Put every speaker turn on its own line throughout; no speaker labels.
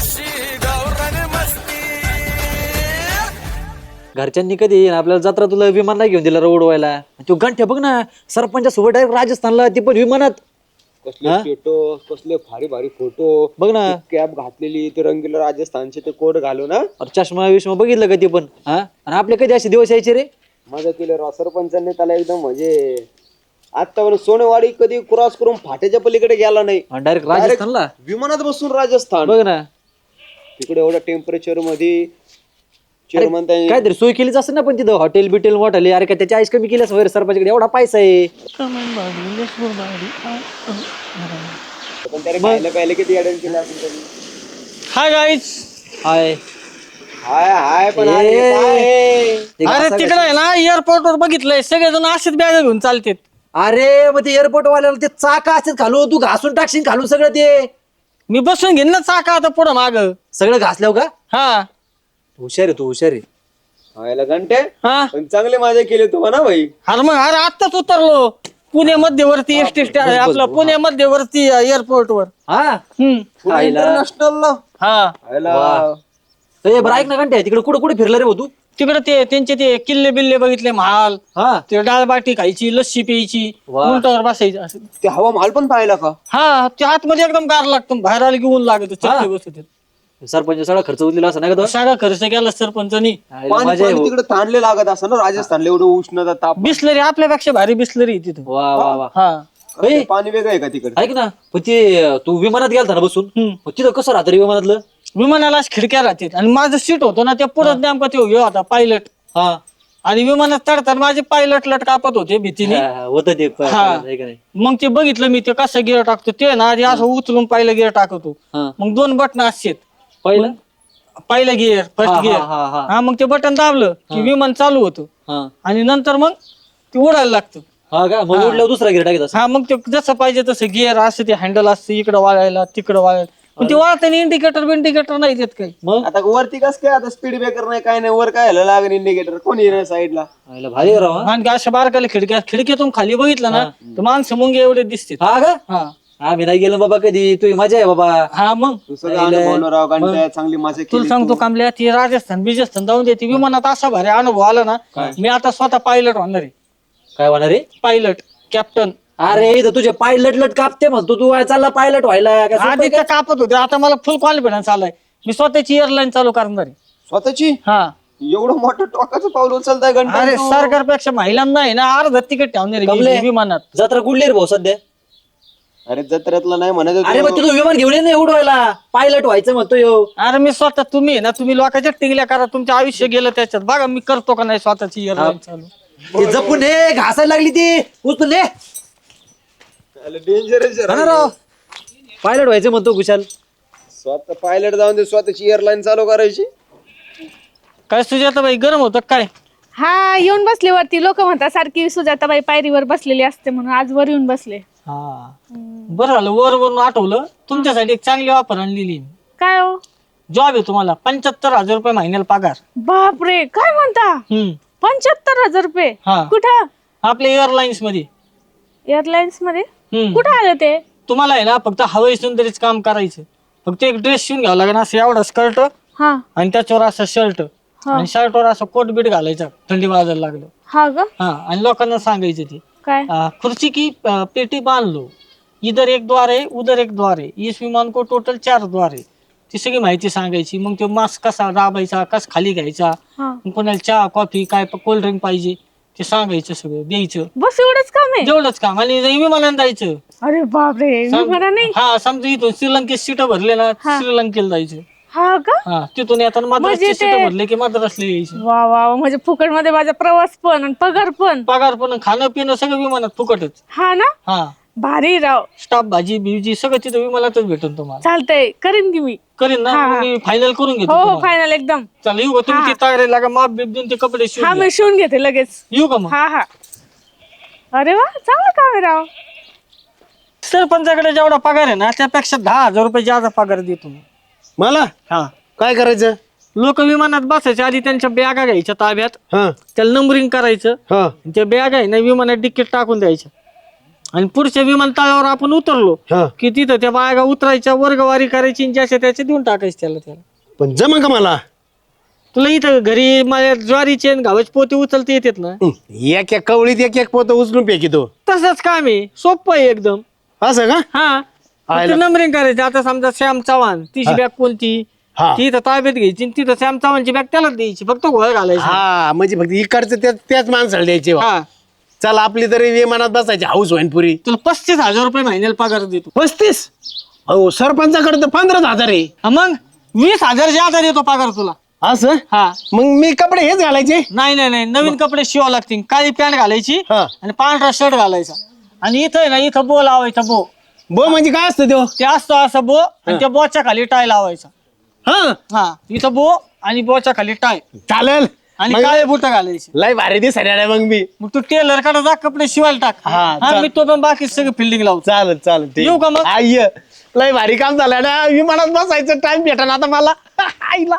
घरच्यांनी कधी येईन आपल्याला जत्रा तुला विमानला घेऊन दिला उडवायला. तो गंठ्या बघ ना सरपंचासोबत डायरेक्ट राजस्थानला, ते पण विमानात.
कसले फोटो, कसले भारी भारी फोटो
बघ ना,
कॅप घातलेली ते रंगीला राजस्थानचे ते कोट घालू ना.
चष्मा विष्मा बघितलं का ते पण. हा, आणि आपले कधी असे दिवस यायचे रे.
मजा केली राव सरपंचांनी त्याला एकदम म्हणजे आता सोनेवाडी कधी क्रॉस करून फाट्याच्या पलीकडे गेला नाही,
डायरेक्ट राजस्थानला
विमानात बसून राजस्थान.
बघ ना,
तिकडे एवढ्या टेम्परेचर मध्ये चेअरमन
काहीतरी सोय केलीच असेल ना पण तिथं हॉटेल बिटेल मोठाले. अरे का त्याची आईस कमी केली असं सरपंचाकडे एवढा पैसा आहे.
पहिले किती अटेंड केलं असेल त्यांनी.
Hi guys.
हाय
हाय हाय पण
अरे तिकडे आहे ना एअरपोर्ट वर बघितलंय सगळेजण असेच बॅग घेऊन चालतेत.
अरे मग ते एअरपोर्ट वाल्याला ते चाका असतात खालू, तू घासून टाकशील खालून सगळं. ते
मी बसून घेईन ना चाका आता पुढं माग.
सगळं घासल्यावर का.
हा
हुशार आहे तू, हुशार आहे.
व्हायला घंटे
हा
पण चांगले मजा केली तू म्हणा भाई.
अरे मग अरे आत्ताच उतरलो पुणे मध्यवर्ती एसटी आपलं पुणे मध्यवर्ती एअरपोर्ट वर.
हा
इंटरनॅशनल
हा
बरं ऐक ना घंटे, तिकडे कुठे कुठे फिरला रे भाऊ तू.
तिकडे ते त्यांचे ते किल्ले बिल्ले बघितले, महाल.
हा
ते डाळबाटी खायची, लस्सी प्यायची,
वा.
उंटावर बसायचं असं.
ते हवा महाल पण पाहिला का.
हा ते आतमध्ये एकदम गार लागतो, बाहेर आले की ऊन लागत चटके बसत.
सरपंच सगळा खर्च उरलेला असं नाही का तो.
सगळा खर्च केला सरपंचानी.
मजा आहे भाऊ.
तिकडे ताणले लागत असं ना राजस्थानला एवढं उष्णता ताप.
बिस्लरी आपल्यापेक्षा भारी बिस्लरी तिथं.
वा वा वा.
हा
पाणी वेगळं आहे का तिकडे.
ऐक ना पण ते तू विमानात गेलता ना बसून, मग तिथं कसं राहतं रे विमानातलं.
विमानाला खिडक्या राहतात आणि माझं सीट होतं ना ते पुढे नेमका ते हे होता पायलट.
हा
आणि विमानात चढताना माझे पायलट लट कापत होते भीतीने.
होत ते
हा.
आहे का नाही.
मग ते बघितलं मी ते कसं गिअर टाकतो ते ना आधी असं उचलून पहिलं गिअर टाकतो.
हा.
मग 2 बटन असतात.
पहिलं
पहिलं गिअर फर्स्ट गिअर. हा मग ते बटन दाबलं की विमान चालू होतं
हा
आणि नंतर मग ते उडायला लागतं.
हा का, मग उडल्यावर दुसरा गिर टाकत असं.
हा मग ते जसं पाहिजे तसं गिअर असं ते हँडल असतं, इकडं वाळायला तिकडं वाळायला. पण ते वाळताना इंडिकेटर नाही देत काही.
मग
आता वरती कस काय आता स्पीड ब्रेकर नाही काय नाही वर काय लागेल इंडिकेटर कोणी नाही साईडला.
आईला भारी आहे राव. हा.
आणि अशा बारकाला खिडकीतून खाली बघितलं ना तर माणसं मुंगे एवढे दिसते.
हा का,
हा
आम्ही नाही गेलो बाबा कधी. तुझी मजा आहे बाबा.
हा मग
तू सगळं अनुभवलं राव घंट्या चांगली मजा
तुला
केली.
सांगतो कामल्या ती राजस्थान बिजस्थान जाऊन देते विमानात असा भारी अनुभव आला ना. मी आता स्वतः पायलट होणार आहे.
काय होणार रे.
Pilot captain.
अरे इथं तुझे पाय लटलट कापते म्हणतो तू. चालला पायलट व्हायला का सोपं
आधी
आहे का?
ते कापत होते, आता मला फुल कॉन्फिडन्स आलाय. मी स्वतःची एअरलाईन चालू करणार आहे.
स्वतःची
हा
एवढं मोठं टोकाचं पाऊल उचलताय घंटा.
अरे सरकारपेक्षा महिलांना आहे ना अर्ध तिकीट ठेवणार आहे
कमले.
मी विमानात.
जत्रा कुठली रे भाऊ सध्या.
अरे जत्रेतला नाही म्हणत
अरे
होतो.
मग तुझं विमान घेऊन ये ना उडवायला. पायलट व्हायचं म्हणतो यो.
अरे मी स्वतः तुम्ही आहे ना तुम्ही लोकांच्या टिंगल्या करा, तुमचं आयुष्य गेलं त्याच्यात. बघा मी करतो का नाही स्वतःची एअरलाईन चालू.
ते जपून हे घासायला लागली ती उचलून ये.
डेंजरस
हा ना राव, पायलट व्हायचं म्हणतो कुशाल.
स्वतः पायलट जाऊन दे, स्वतःची एअरलाईन चालू करायची.
काय सुजाताबाई गरम होतं काय.
हा येऊन बसले वरती. लोक म्हणतात सारखी सुजाताबाई पायरीवर बसलेली असते म्हणून आज वर येऊन बसले.
हा बरं झालं वर वरून आठवलं. तुमच्यासाठी एक चांगली ऑफर आणलेली.
काय हो.
जॉब आहे तुम्हाला 75,000 रुपये महिन्याला पगार.
बापरे काय म्हणता. 75,000 रुपये.
हा.
कुठं.
आपल्या एअरलाईन्स मध्ये.
एअरलाइन्स मध्ये.
हम्म.
कुठं आलं ते.
तुम्हाला आहे ना फक्त हवाई सुंदरीच काम करायचं. फक्त एक ड्रेस शिवून घ्यावा लागेल असं एवढा स्कर्ट
हा
आणि त्याच्यावर असं शर्ट
हा.
आणि शर्टवर असं कोट बीट घालायचं थंडी वाजायला लागलं.
हा ग.
हा आणि लोकांना सांगायचं ते
काय.
खुर्ची की पेटी बांध लो, इधर एक द्वार है उधर एक द्वार है, इस विमान को टोटल 4 द्वार है. ती सगळी माहिती सांगायची. मग तो मास्क कसा दाबायचा, कसा खाली घ्यायचा,
हा.
मग कोणाला चहा कॉफी काय कोल्ड्रिंक पाहिजे ते सांगायचं, सगळं द्यायचं.
बस एवढंच काम आहे.
जेवढंच काम. आणि विमानानं जायचं.
अरे बापरे मला नाही.
हा समजा इथून श्रीलंकेत सीट भरले ना श्रीलंकेला जायचं.
हा का.
हा तिथून येताना मद्रासची
म्हणजे
सीट
ते-
भरले की मद्रासला यायचं.
वा वा म्हणजे फुकट मध्ये माझा प्रवास पण आणि पगार पण.
पगार पण खाणं पिणं सगळं विमानात फुकटच.
हा ना.
हा
भारी राव.
स्टाफ भाजी बिवजी सगळं तिथं विमानातच भेटून तुम्हाला.
चालतंय करीन की मी.
करीन ना
हा, हा.
मी फायनल करून घेतो
हो हो
तुम्हाला.
फायनल एकदम.
चला येऊ का तुम्ही ती तयारी लागा माप बीप देऊन ते कपडे
हा
शिवून
मी शिवून घेते लगेच.
घ्या. येऊ का मग.
हा हा. अरे वा चांगलं काम आहे राव.
सरपंचाकडे जेवढा पगार आहे ना त्यापेक्षा 10,000 रुपये जादा पगार देतो मी.
मला
हा
काय करायचं.
लोक विमानात बसायच्या आधी त्यांच्या बॅगा घ्यायच्या ताब्यात,
हा
त्याला नंबरिंग करायचं.
हा
त्या बॅग आहे ना विमानात तिकीट टाकून द्यायचं. आणि पुढच्या विमानतळावर आपण उतरलो
हा.
की तिथं त्या बायगा उतरायच्या, वर्गवारी करायची आणि ज्याच्या त्याच्या देऊन टाकायचे त्याला.
पण जमा का मला?
तुला इथं घरी माझ्या ज्वारीचे आणि गव्हाचे पोते उचलता येतात ना?
एक एक कवळीत एक एक पोत उचलून फेकितो.
तसंच काम आहे, सोपं आहे एकदम.
असं का?
हा नंबरिंग करायचं. आता समजा श्याम चव्हाण तिची बॅग कोणती
हा.
ती इथं ताब्यात घ्यायची आणि तिथं श्याम चव्हाणची बॅग त्यालाच द्यायची, फक्त घोळ घालायची.
हा म्हणजे फक्त इकडचं त्याच माणसाला द्यायचे.
हा
चल आपली तरी विमानात बसायची हाऊस होईन पुरी.
तुला 35,000 रुपये महिन्याला पगार देतो.
35? हो सरपंचाकडे तर 15,000 आहे.
मग 20,000 आता देतो पगार तुला.
असं?
हा
मग मी कपडे हेच घालायचे?
नाही नाही नाही, नवीन कपडे शिवावं लागतील. काळी पॅन्ट घालायची
हा.
आणि पांढरा शर्ट घालायचा. आणि इथं आहे ना, इथं बो लावायचा.
बो म्हणजे काय असतं तो?
ते असतो असं बो, आणि त्या बोच्या खाली टाय लावायचा.
हा
हा इथं बो आणि बोच्या खाली टाय
चालेल.
आणि
मग
काळे बुट घालायचे.
लय भारी दिसायला मग मी.
मग तू टेलर कडे जा, कपडे शिवायला टाक.
हा,
हा,
चाल.
मी तो पण बाकी सगळं फिल्डिंग लावतो.
चालेल चालेल ठीक.
येऊ का मग?
आय लय भारी काम झालं ना. विमानात बसायचं टाइम भेटा ना आता मला. आईला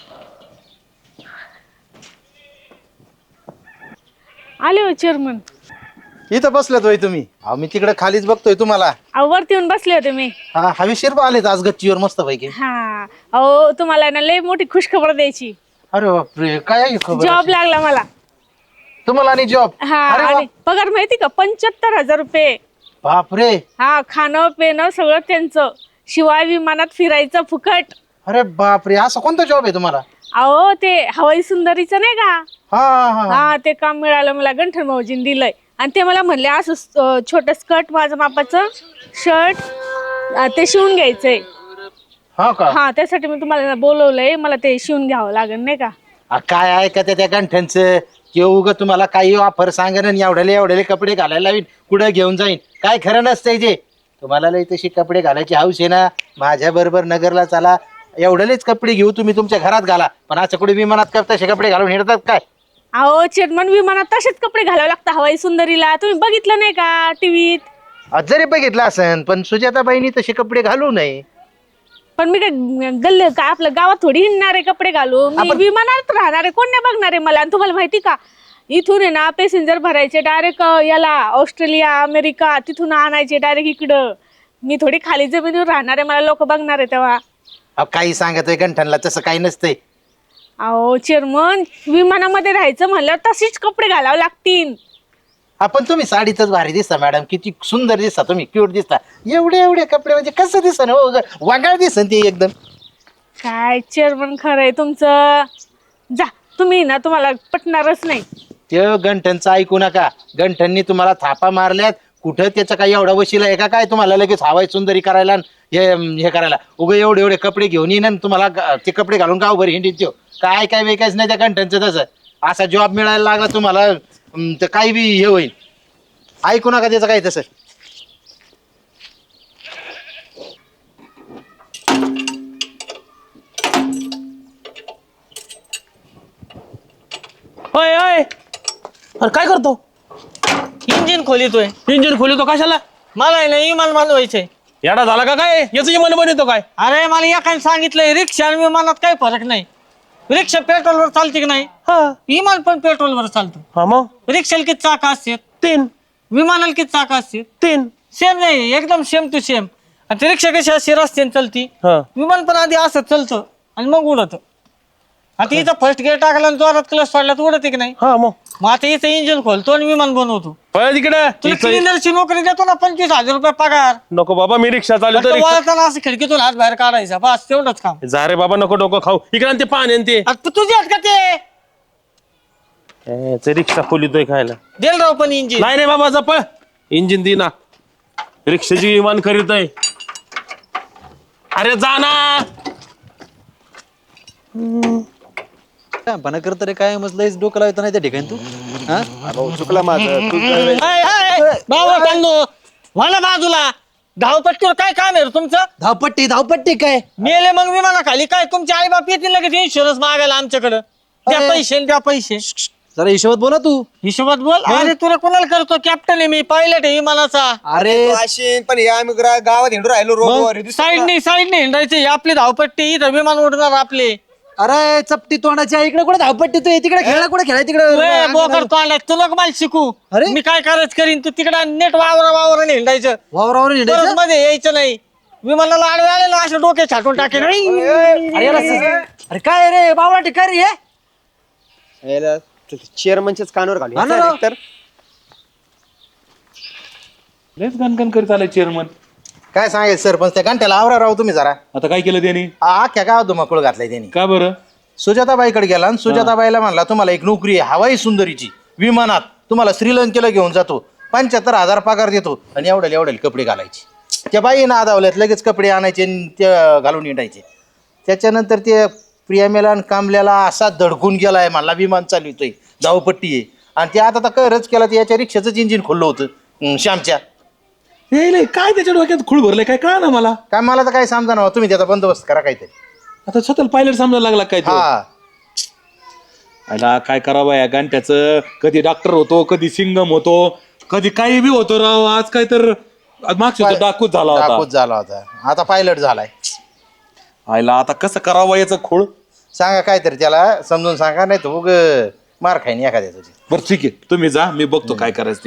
आले हो चेअरमन.
इथं बसलेत होय तुम्ही? अहो मी तिकडे खालीच बघतोय तुम्हाला.
अहो वरती येऊन बसले होते मी.
हा हवेशीर आलेत आज गच्चीवर मस्त पैकी.
हा अहो तुम्हाला ना लय मोठी खुशखबर द्यायची.
अरे बापरे काय आहे खबर?
जॉब लागला मला.
तुम्हाला आणि जॉब?
हा
अरे वा.
आणि पगार माहिती का 75,000 रुपये.
बापरे.
हा खाणं पिणं सगळं त्यांचं, शिवाय विमानात फिरायचं फुकट.
अरे बापरे असं कोणता जॉब आहे तुम्हाला?
अहो ते हवाई सुंदरीचं नाही का,
हा हा
हा ते काम मिळालं मला. गंठन भाऊजीने दिलंय. आणि ते मला म्हणले असं छोट स्कर्ट माझं मापाचं शर्ट ते शिवून घ्यायचंय.
हा का?
हा त्यासाठी मी तुम्हाला बोलवलंय. मला ते शिवून घ्यावं लागेल नाही का.
काय आहे का त्या गंठ्यांचं किंवा उगा तुम्हाला काही ऑफर सांगेन आणि एवढ्याले कपडे घालायला लावीन, कुठं घेऊन जाईन, काय खरं नसतंय. जे तुम्हाला लई तशी कपडे घालायची हौस आहे ना, माझ्या बरोबर नगरला चला. एवढ्यालेच कपडे घेऊ, तुम्ही तुमच्या घरात घाला. पण असं कुठे विमानात का तसे कपडे घालून हिंडतात काय?
अहो चेअरमन विमानात तसेच कपडे घालावे लागतात हवाई सुंदरीला. तुम्ही बघितलं नाही का टीव्हीत?
जरी बघितलं असन पण सुजाताबाईंनी तसे कपडे घालू नये.
पण मी काय गल्ले का आपल्या गावात थोडी हिंडणारे कपडे घालू. मी विमानात राहणारे, कोण नाही बघणार आहे मला. आणि तुम्हाला माहिती का, इथून आहे ना पॅसेंजर भरायचे डायरेक्ट याला ऑस्ट्रेलिया अमेरिका, तिथून आणायचे डायरेक्ट इकडं. मी थोडी खाली जमिनीवर राहणार आहे, मला लोक बघणार आहे तेव्हा.
काही सांगतोय गंठनला, तसं काही नसतंय.
अहो चेअरमन विमानामध्ये राहायचं म्हणल्यावर तसेच कपडे घालावे लागतील.
आपण तुम्ही साडीतच भारी दिसता मॅडम, किती सुंदर दिसता तुम्ही, क्यूट दिसता. एवढे कपडे म्हणजे कसं दिसन हो, वागाळ दिसन ते एकदम.
काय चेअरमन खरंय तुमचं. जा तुम्ही ना, तुम्हाला पटणारच नाही.
ते गंठनचं ऐकू नका. गंठननी तुम्हाला थापा मारल्यात. कुठं त्याचा काही एवढा वशिला आहे का काय तुम्हाला लगेच हवाई सुंदरी करायला हे करायला? उगा एवढे कपडे घेऊन येईन आणि तुम्हाला ते कपडे घालून गावभर हिंडीत देऊ काय वेकायच नाही त्या गंठनचं. तसं असा जॉब मिळायला लागला तुम्हाला तर काही बी हे होईल. ऐकू नका त्याचं काही तसं.
होय होय. अरे काय करतो?
इंजिन खोलितोय.
इंजिन खोलतो कशाला?
मला आहे ना विमान मानवायचंय.
येडा झाला का काय? याचं विमान बनवतो काय?
अरे मला एकाने सांगितलंय रिक्षा आणि विमानात काही फरक नाही. रिक्षा पेट्रोलवर चालते की नाही,
हा
विमान पण पेट्रोलवर चालतं.
हा मग
रिक्षाला किती चाका असतात,
3
विमानाला किती चाका असतात?
3.
सेम नाही, एकदम सेम टू सेम. आणि ती रिक्षा कशी अशी रस्त्याने चालती,
हा
विमान पण आधी असं चालतं आणि मग उडत. आता इथं फर्स्ट गिअर टाकला आणि जोरात क्लच सोडला तर उडते की नाही.
हा मग
मग आता इथं इंजिन खोलतो आणि विमान बनवतो.
तिकडे
तुला क्लिनरची नोकरी देतो ना, 25,000 रुपये पगार.
नको बाबा, मी रिक्षा चालवतो.
फक्त वळताना असं खिडकीतून हात बाहेर काढायचा, बस तेवढंच काम.
जा रे बाबा, नको डोकं खाऊ. इकडे ते पाणी आणि ते
आता तुझी आहेत का ते
रिक्षा खोलितोय खायला.
देल राव पण इंजिन.
नाही रे बाबा, जप इंजिन दे ना. रिक्षाची विमान करीत आहे. अरे जा ना.
पण करत रे काय मस्त लयच डोकं लावतो नाही त्या ठिकाणी तू. हा
भाऊ चुकला माझं. तू
बाबा चांगलो मला बाजूला. धावपट्टीवर काय काम आहे रे तुमचं?
धावपट्टी काय?
मेले मग विमानाखाली काय तुमचे आई बाप येतील लगेच इन्शुरन्स मागायला आमच्याकडं. द्या
अरे.
पैसे द्या पैसे.
जरा हिशोबात बोला तू.
हिशोबात बोल. अरे तुला कोणाला करतो? कॅप्टन आहे मी, पायलट आहे विमानाचा.
अरे
अशीन पण या आम्ही गावात हिंडू राहिलो रोडवर.
साईडने हिंडायचे. आपली धावपट्टी, इथं विमान उडणार आपले.
अरे चपटी तोंडाच्या इकडे कुठे धावपट्टी तू तिकडे खेळा कुठे खेळाय
ए, बोकड
तिकडे
तोंडात तुला का मला शिकू
अरे?
मी काय करायचं करीन तू तिकडे नेट वावर हिंडायचं
वावरावर
परत
हिंडायचं?
मध्ये यायचं नाही विमानाला आडवे आले ना असे डोके छाटून टाके
अरे अरे काय रे बावळा काय रे हे?
चेअरमनच्याच कानावर घालू
हा ना राव.
तर
लयच गणगण करीत आलाय चेअरमन.
काय सांगायचं सरपंच त्या घंट्याला आवरा राव तुम्ही जरा
आता काय केलं त्यांनी?
अख्ख्या गावात धुमाकूळ घातलाय त्यांनी.
का बरं?
सुजाताबाईकडे गेला आणि सुजाताबाईला म्हणला तुम्हाला एक नोकरी आहे हवाई सुंदरीची विमानात तुम्हाला श्रीलंकेला घेऊन जातो 75,000 पगार देतो आणि एवढ्याला कपडे घालायचे. त्या बाईनं आदावल्यात लगेच कपडे आणायचे आणि ते घालून येटायचे. त्याच्यानंतर ते प्रियामेला आणि कामल्याला असा धडकून गेलाय म्हणला विमान चालवितोय धावपट्टी आहे आणि ते आता करच केला ते याच्या रिक्षाचंच इंजिन खोललं होतं श्यामच्या.
हे लय, काय त्याच्या डोक्यात खूळ भरलंय काय कळा ना मला.
काय मला तर काय समजा ना तुम्ही त्याचा बंदोबस्त करा काहीतरी.
आता स्वतःला पायलट समजायला लागला काय तो?
हा
आला काय करावं या गांठ्याचं. कधी डॉक्टर होतो, कधी सिंगम होतो, कधी काही बी होतो राव. आज काय तर मागच्या वेळेस डाकूच झाला
डाकूच
होता.
झाला होता आता पायलट झालाय.
आयला आता कसं करावं याचं खूळ.
सांगा काहीतरी त्याला समजून सांगा नाही तर उग मार खाईन एखाद्याचं.
बरं ठीक आहे तुम्ही जा मी बघतो काय करायचं ते.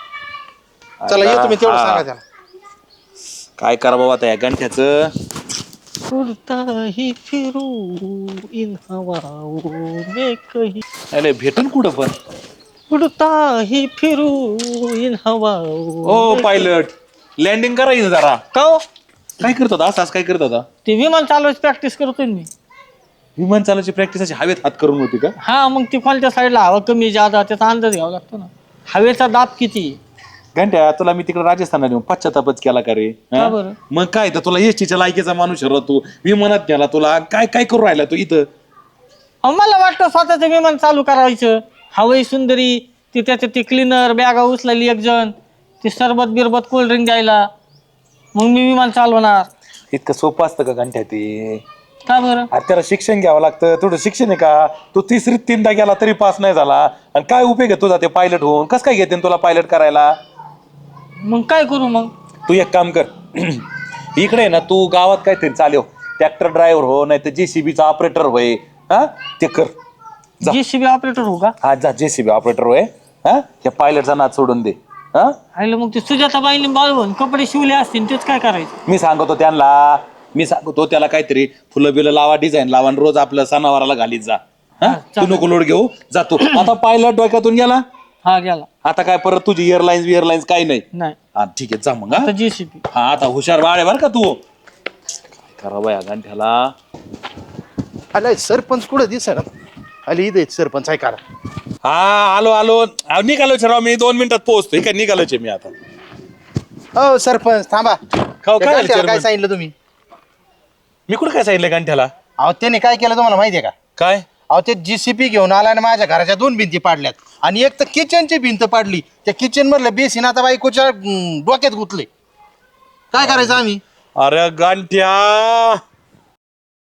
चला येतो मी तेवढं सांगा त्याला.
काय करा बाबा आता या गांठ्याचं.
उड़ता ही फिरू इन हवाओं में कहीं
अरे भेटन कुठं पण.
उड़ता ही फिरू इन हवाओं
ओ पायलट लँडिंग करायचं जरा.
का हो?
काय करत होता असं काय करत होता?
ते विमान चालवायची प्रॅक्टिस करतोय मी.
विमान चालायची प्रॅक्टिस अशी हवेत हात करून होती का?
हा मग ती कोणत्या साईडला हवा कमी जादा त्याचा अंदाज घ्यावा लागतो ना. हवेचा दाब किती
घंट्या तुला मी तिकडे राजस्थानला नेऊन पश्चातापच केला का रे? हा?
का बरं?
मग काय तर तुला एसटीच्या लायकीचा माणूस तू विमानात गेला तुला काय काय करू राहिला तू इथं?
अहो, मला वाटतं स्वतःचं विमान चालू करायचं. हवाई सुंदरी ती त्याचं ते क्लिनर बॅगा उचलायली एक जण ते सरबत बिरबत कोल्ड्रिंक द्यायला मग मी विमान चालवणार.
इतकं सोपं असतं का घंट्या ते?
का बरं?
अरे त्याला शिक्षण घ्यावं लागतं. थोडं शिक्षण आहे का? तू तिसरीत 3दा गेला तरी पास नाही झाला आणि काय उपयोग आहे तुझा ते पायलट होऊन? कसं काय घेते तुला पायलट करायला?
मग काय करू मग?
तू एक काम कर इकडे आहे ना तू गावात काहीतरी चालव ट्रॅक्टर ड्रायव्हर हो नाही तर JCBचा ऑपरेटर होय. हा ते कर जा.
JCB ऑपरेटर हो का?
हा जा JCB ऑपरेटर होय. हा त्या पायलटचा नाद सोडून दे. हा
आयलं मग ते सुजाताबाईने बाळवून कपडे शिवले असतील तेच काय करायचं?
मी सांगतो त्यांना मी सांगतो त्याला काहीतरी फुलं बिलं लावा डिझाईन लावा आणि रोज आपलं सणावाराला घालीत जा. हा तू नको लोड घेऊ जातो. आता पायलट डोक्यातून गेला.
हा गेला.
आता काय परत तुझी एअरलाईन्स काही नाही.
नाही
हा ठीक आहे जा मग. हा?
आता JCB.
हा आता हुशार बाळ आहे बरं का तू. काय करावं या गांठ्याला.
आलाय सरपंच कुठं दिसणार आली इथे सरपंच आहे करा.
हा आलो निघालोच राव मी 2 मिनिटात पोहोचतो. काय निघालोच मी आता.
हो सरपंच थांबा.
खाऊ
त्या
काय
गांठ्याला
chairman?
काय सांगितलं तुम्ही?
मी कुठं काय सांगितलं गांठ्याला?
अहो त्याने काय केलं तुम्हाला माहितीये का?
काय
अहो ते JCB घेऊन आला आणि माझ्या घराच्या 2 भिंती पाडल्यात आणि एक तर किचनची भिंत पाडली. त्या किचन मधलं बेसिन आता बायकोच्या डोक्यात गुतले. काय करायचं आम्ही?
अरे गांठ्या